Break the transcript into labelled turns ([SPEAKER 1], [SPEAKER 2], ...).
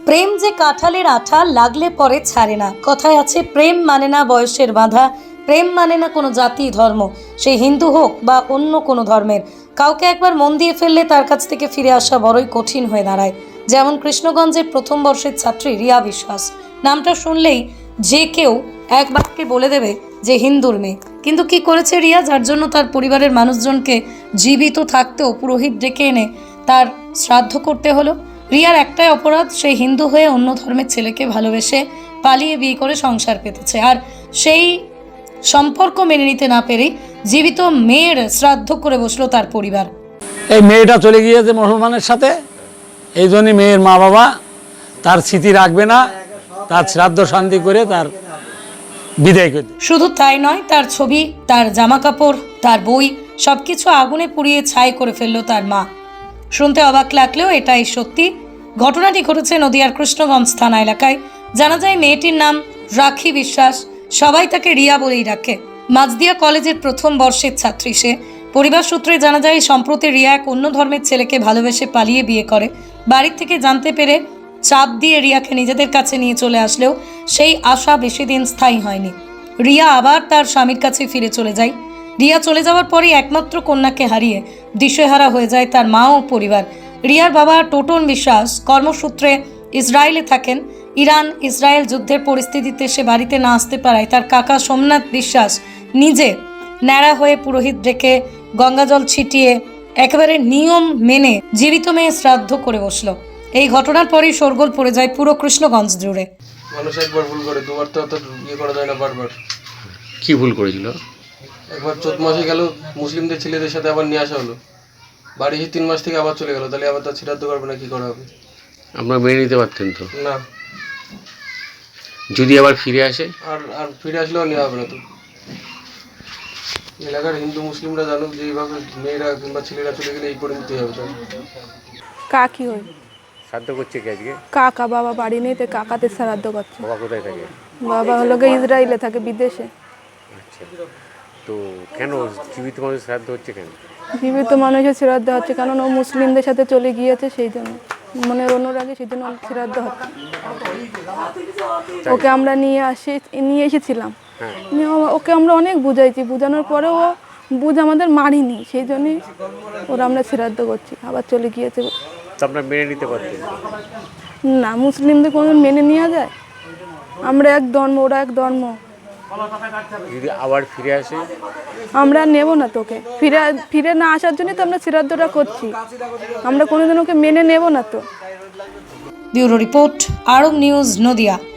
[SPEAKER 1] প্রেম যে কাঁঠালের আঠা, লাগলে পরে ছাড়ে না। কথায় আছে, প্রেম মানে না বয়সের বাঁধা, প্রেম মানে না কোনো জাতি ধর্ম, সে হিন্দু হোক বা অন্য কোনো ধর্মের। কাউকে একবার মন দিয়ে ফেললে তার কাছ থেকে ফিরে আসা বড়ই কঠিন হয়ে দাঁড়ায়। যেমন কৃষ্ণগঞ্জের প্রথম বর্ষের ছাত্রী রিয়া বিশ্বাস। নামটা শুনলেই যে কেউ এক বাক্যে বলে দেবে যে হিন্দুর মেয়ে। কিন্তু কি করেছে রিয়া, যার জন্য তার পরিবারের মানুষজনকে জীবিত থাকতেও পুরোহিত ডেকে এনে তার শ্রাদ্ধ করতে হলো। রিয়ার একটাই অপরাধ, সে হিন্দু হয়ে অন্য ধর্মের ছেলেকে ভালোবেসে পালিয়ে বিয়ে করে সংসার পেতেছে, আর সেই সম্পর্ক মেনে নিতে না পেরে জীবিত মেয়ের শ্রাদ্ধ করে বসলো তার পরিবার।
[SPEAKER 2] এই মেয়েটা চলে গিয়েছে মুসলমানের সাথে, এই জন্যই মেয়ের মা বাবা তার স্মৃতি রাখবে না, তার শ্রাদ্ধ শান্তি করে তার বিদায় করে।
[SPEAKER 1] শুধু তাই নয়, তার ছবি, তার জামা কাপড়, তার বই সবকিছু আগুনে পুড়িয়ে ছাই করে ফেললো তার মা। শুনতে অবাক লাগলেও এটাই সত্যি। ঘটনাটি ঘটেছে নদিয়ার কৃষ্ণগঞ্জ থানা এলাকায়। জানা যায় মেয়েটির নাম রাখি বিশ্বাস, সবাই তাকে রিয়া বলেই ডাকে। মাঝদিয়া কলেজের প্রথম বর্ষের ছাত্রী সে। পরিবার সূত্রে জানা যায়, সম্প্রতি রিয়া এক অন্য ধর্মের ছেলেকে ভালোবেসে পালিয়ে বিয়ে করে। বাড়ির থেকে জানতে পেরে চাপ দিয়ে রিয়াকে নিজেদের কাছে নিয়ে চলে আসলেও সেই আশা বেশি দিন স্থায়ী হয়নি। রিয়া আবার তার স্বামীর কাছে ফিরে চলে যায়। রিয়া চলে যাওয়ার পরই একমাত্র কন্যাকে হারিয়ে দিশেহারা হয়ে যায় তার মা ও পরিবার। রিয়ার বাবা টোটন বিশ্বাস কর্মসূত্রে ইসরায়েলে থাকেন। ইরান ইসরায়েল যুদ্ধের পরিস্থিতিতে সে বাড়িতে না আসতে পারায় তার কাকা সোমনাথ বিশ্বাস নিজে ন্যাড়া হয়ে পুরোহিত ডেকে গঙ্গাজল ছিটিয়ে একেবারে নিয়ম মেনে জীবিত মেয়ে শ্রাদ্ধ করে বসলো। এই ঘটনার পরই শোরগোল পড়ে যায় পুরো কৃষ্ণগঞ্জ জুড়ে।
[SPEAKER 3] মানুষ একবার ভুল করে, দুবার তো ইয়ে করা যায় না। বারবার
[SPEAKER 4] কি ভুল করেছিল?
[SPEAKER 3] একবার 14 মাসে গেল, মুসলিমদের ছেলেদের সাথে আবার নিয়ে আসা হলো। বাড়ি এসে 3 মাস থেকে আবার চলে গেল, তাহলে আবার তার শ্রাদ্ধ করবে না, কি করা হবে?
[SPEAKER 4] আপনারা মেনে নিতে পারতেন তো?
[SPEAKER 3] না,
[SPEAKER 4] যদি আবার ফিরে আসে?
[SPEAKER 3] আর আর ফিরে আসলেও নেওয়া হবে না। তো এলাকার হিন্দু মুসলিমরা জানুক যে এইভাবে মেয়েরা কিংবা ছেলেরা চলে গেলে এই পরিণতি হবে। তার
[SPEAKER 5] কাকি হয়,
[SPEAKER 4] শ্রাদ্ধ করছে কি আজকে?
[SPEAKER 5] কাকা, বাবা বাড়ি নেই তো কাকাতে শ্রাদ্ধ করছে।
[SPEAKER 4] বাবা কোথায় থাকে?
[SPEAKER 5] বাবা হলো গিয়ে ইসরায়েলে থাকে, বিদেশে।
[SPEAKER 4] আচ্ছা, তো কেন জীবিত মানুষ শ্রাদ্ধ হচ্ছে কেন?
[SPEAKER 5] জীবিত মানুষের শ্রাদ্ধ হচ্ছে কারণ ও মুসলিমদের সাথে চলে গিয়েছে, সেই জন্য মনের অনুরাগে সেই জন্য শ্রাদ্ধ হচ্ছে। ওকে আমরা নিয়ে এসেছিলাম, ওকে আমরা অনেক বুঝাইছি, বোঝানোর পরেও ও বুঝ আমাদের মারিনি, সেই জন্যই ওরা আমরা শ্রাদ্ধ করছি। আবার চলে গিয়েছে।
[SPEAKER 4] তো আপনারা মেনে নিতে পারতেন
[SPEAKER 5] না, মুসলিমদের কোনো মেনে নেওয়া যায়? আমরা এক ধর্ম, ওরা এক ধর্ম।
[SPEAKER 4] যদি আবার ফিরে আসে?
[SPEAKER 5] আমরা নেব না তোকে, ফিরে না আসার জন্য তো আমরা শ্রাদ্ধটা করছি। আমরা কোনোদিন ওকে মেনে নেব না তো।
[SPEAKER 1] Bureau report, Arab news, Nadia.